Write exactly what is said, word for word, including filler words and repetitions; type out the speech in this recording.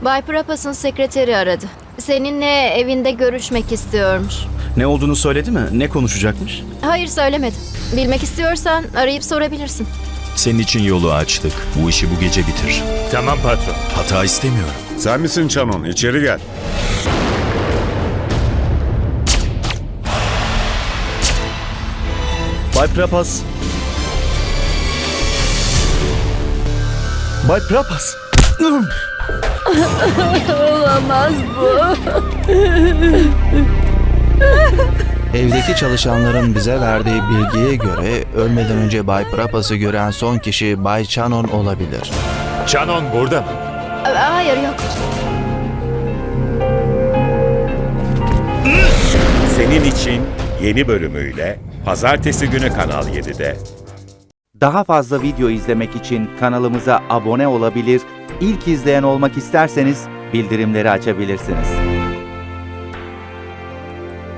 Bay Prapas'ın sekreteri aradı. Seninle evinde görüşmek istiyormuş. Ne olduğunu söyledi mi? Ne konuşacakmış? Hayır, söylemedi. Bilmek istiyorsan arayıp sorabilirsin. Senin için yolu açtık. Bu işi bu gece bitir. Tamam patron. Hata istemiyorum. Sen misin Canon? İçeri gel. Bay Prapas. Bay Prapas. Olamaz bu. Evdeki çalışanların bize verdiği bilgiye göre ölmeden önce Bay Prapas'ı gören son kişi Bay Chanon olabilir. Canon burada mı? Hayır, yok. Senin için yeni bölümüyle Pazartesi günü Kanal yedide. Daha fazla video izlemek için kanalımıza abone olabilir, ilk izleyen olmak isterseniz bildirimleri açabilirsiniz.